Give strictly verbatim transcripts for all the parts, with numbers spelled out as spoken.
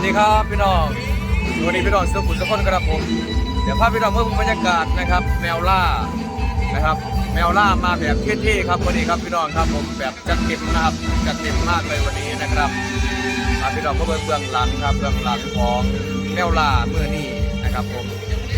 ดีครับพี่น้องวันนี้พี่น้องสุขุมสุขคนครับผมเดี๋ยวพาพี่น้องเมื่อบรรยากาศนะครับแมวล่านะครับแมวล่ามาแบบเท่ๆครับวันนี้ครับพี่น้องครับผมแบบจัดเต็มนะครับจัดเต็มมากเลยวันนี้นะครับมาพี่น้องเพื่อเบื้องหลังครับเบื้องหลังของแมวล่าเมื่อนี้นะครับผม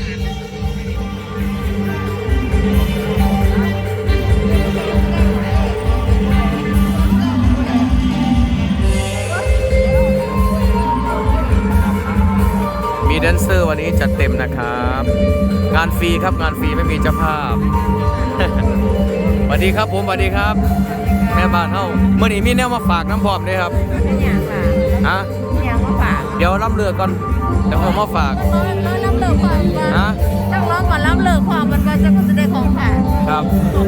มีแดนเซอร์วันนี้จัดเต็มนะครับงานฟรีครับงานฟรีไม่มีเจ้าภาพ สวัสดีครับผมสวัสดีครับแม่บ้านเฮาเมื่อนี้มีแนวมาฝากน้ำพร้อมด้วยครับเป็นอย่างค่ะฮะอย่างมาฝากเดี๋ยวรับเลือกก่อนเดี๋ยวผมมาฝากต้องรับเลิกความฮะต้องร้องก่อนรับเลิกความมันก็จะก็จะได้ของค่ะครับ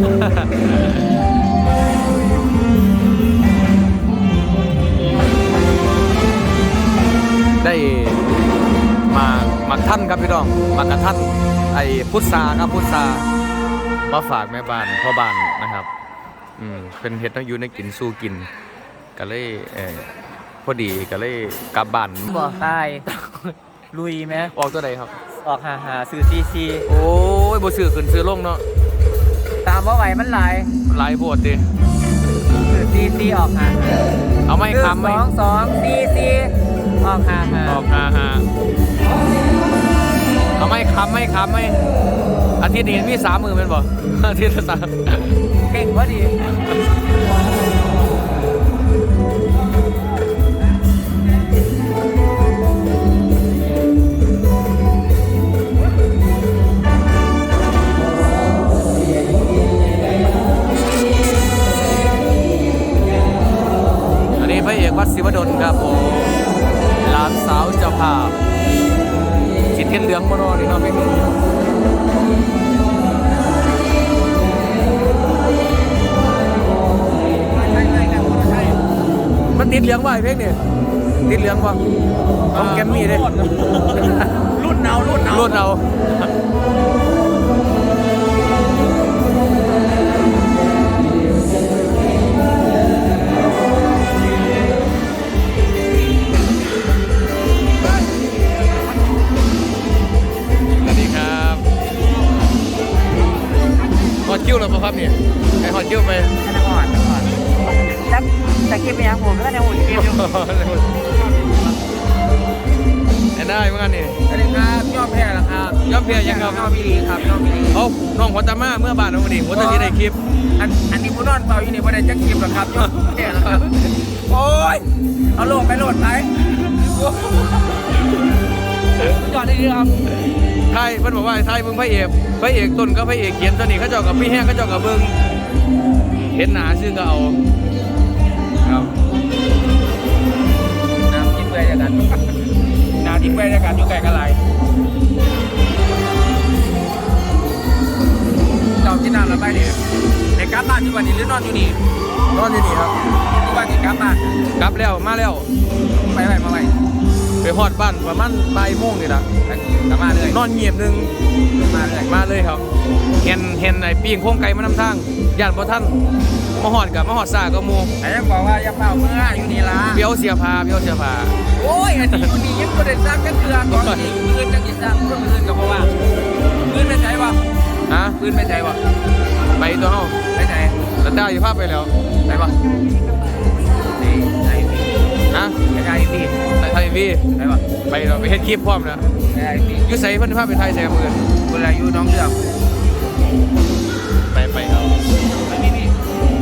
ได้มามาท่านครับพี่น้องมากระท่านไอ้พุทราครับพุทรามาฝากแม่บ้านพ่อบ้านนะครับอืมเป็นเฮ็ดต้องอยู่ในกินสู้กินก็เลยเออพอดีก็เลยกลับบ้านบ่ตายลุยไหมออกตัวใดครับออกหาหาซื้อซีซีโอ้ยบ่ซื้อขึ้นซื้อลงเนาะตามว่าไหวมันหลายหลายโพดดิซื้อซีซีออกหาเอาไม่คำไหมสองสองซีซีออกหาหาออกหาหาเอาไม่คำไม่คำไม่อาทิตย์นี้มีสามมือเป็นบ่อาทิตย์ละสามเก่งพอดีอันนี้พระเอกวัดศิวดลครับผมหลานสาวเจ้าภาพจิตเทียนเหลืองมโนนี่เนาะไม่มีมันติดเหลืองว่ะเพลงนี่ติดเหลืองว่ะของแกมมี่เลยรุ่นเนารุ่นเนารุ่นเอาหอดคิ้วแล้วป่ะครับเนี่ยไอหอดคิ้วไปนครนครจับตะกี้ไปยังผมก็ได้หุ่นเกมอยู่ได้เหมือนกันนี่สวัสดีครับยอมแพ้แล้วครับยอมแพ้ยังครับยอมพี่ลีครับยอมพี่ลีเอาน้องหัวตามาเมื่อบานน้องวันนี้หัวตาที่ได้คลิปอันอันนี้ผู้นอนเปล่าอยู่นี่ไม่ได้จะคลิปหรอกครับยอมแพ้แล้วครับโอ้ยเอาโหลดไปโหลดไปจอดได้ดีครับไทยเพิ่นบอกว่าไทยมึงพระเอกพระเอกต้นก็พระเอกเขียนตัวนี้เขาเจ้ากับพี่แห้งเขาเจ้ากับเบิ้งเห็นหนาซึ่งก็เอาครับน้ำจิ้มเปื่อยจากกันน้ำจิ้มเปื่อยจากกันอยู่ไกลกันไรเรากินน้ำแล้วไปเนี่ยในกราฟบ้านอยู่วันนี้หรือนอนอยู่นี่นอนอยู่นี่ครับอยู่บ้านที่กราฟบ้านกลับแล้วมาแล้วไปไปมาไปไปฮอดบ้านประมาณบ่ายโมงนี่แหละกลับมาเลยนอนเงียบนึงมาเลยมาเลยครับเห็นเห็นไอ้ปีงโค้งไก่มานำทางญาติบ่ท่านมาฮอดกับมาฮอดซาก็มูไอ้ยังบอกว่าอย่าเป่าเมื่ออยู่นี่ละเบี้ยวเสียผ้าเบี้ยวเสียผ้าโอ้ยอันนี้อยู่นี่ยังไม่ได้สร้างกันเถื่อนก่อนนี่ปืนจะกินสร้างเพื่อนปืนกับเพราะว่าปืนไม่ใช่วะฮะปืนไม่ใช่วะไปตัวเฮาไปไหนตัดได้อยู่ภาพไปแล้วไปปะนี่ไอพีฮะไอพีไทยวีไปปะไปเราไปเฮ็ดคลิปพร้อมนะไอพีอยู่ใส่เพิ่นภาพเป็นไทยใส่มือเวลาอยู่น้องเดือดไปไปเอาไปนี่นี่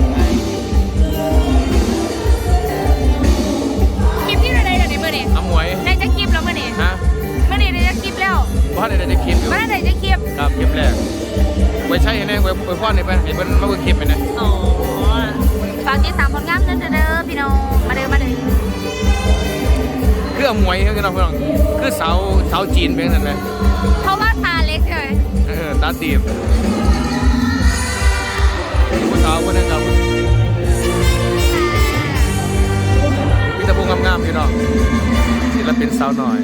คลิปที่ไหนเดี๋ยวนี้เมื่อนี้น้ำหมวยได้จะคลิปแล้วเมื่อนี้ฮะเมื่อนี้ได้จะคลิปแล้วว่าได้ได้คลิปอยู่ว่าได้จะคลิปครับคลิปแรกไว้ใช้แน่ไว้ไว้พ่อนี่ไปเห็นเพิ่นมาเบิ่งคลิปไปนะอ๋อฝากติดตามผลงานเด้อพี่น้องมาเด้อมาเด้อคือหมวยคือน้องพี่น้องคือสาวสาวจีนเป็นนั่นแหละเพราะว่าตาเล็กเลยเออตาตีบผู้สาวคนนึงครับมีแต่ผู้งามๆพี่น้องศิลปินสาวหน่อย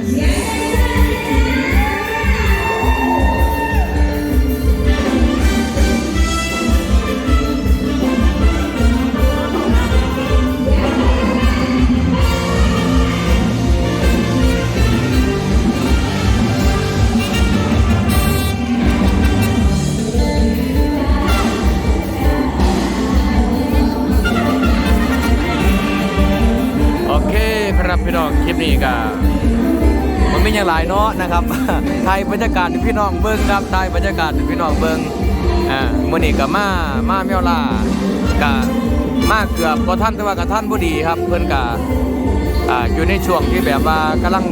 เคครับพี่น้องคลิปนี้ก็มันไม่ยังหลายเนาะนะครับ ไทยบรรยากาศให้พี่น้องเบิ้งครับไทยบรรยากาศให้พี่น้องเบิ้งอ่ามื้อนี้ก็มามาแมวล่าก็มาเกือบบ่ทันแต่ว่าก็ทันบ่ดีครับเพิ่นก็อ่าอยู่ในช่วงที่แบบว่ากำลัง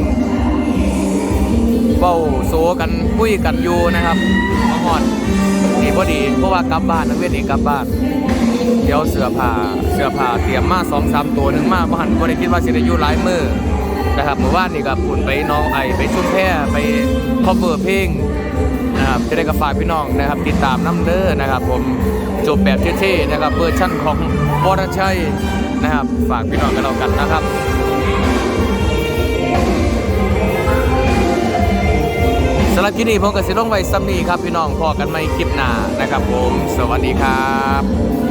เว้าโซกันคุยกันอยู่นะครับมาฮอดนี่พอดีเพราะว่ากลับบ้านนักเรียนนี่กลับบ้านเดี๋ยวเสื้อผ้าเสื้อผ้าเตรียมมา สองสาม ตัวหนึงมาบ่หันบ่ได้คิดว่าสิได้อยู่หลายมื้อนะครับเมื่อวานนี่ก็พุ่นไปน้องไอไปชุมแพไปคอเวอร์เพลงนะครับจะได้กับฝากพี่น้องนะครับติดตามน้ำเด้อนะครับผมจบแบบเท่ๆนะครับเวอร์ชั่นของวรชัยนะครับฝากพี่น้องกันแล้วกันนะครับสำหรับคลิปนี้ผมกับสิลงไว้ซ้ำนี้ครับพี่น้องพอกันใหม่คลิปหน้านะครับผมสวัสดีครับ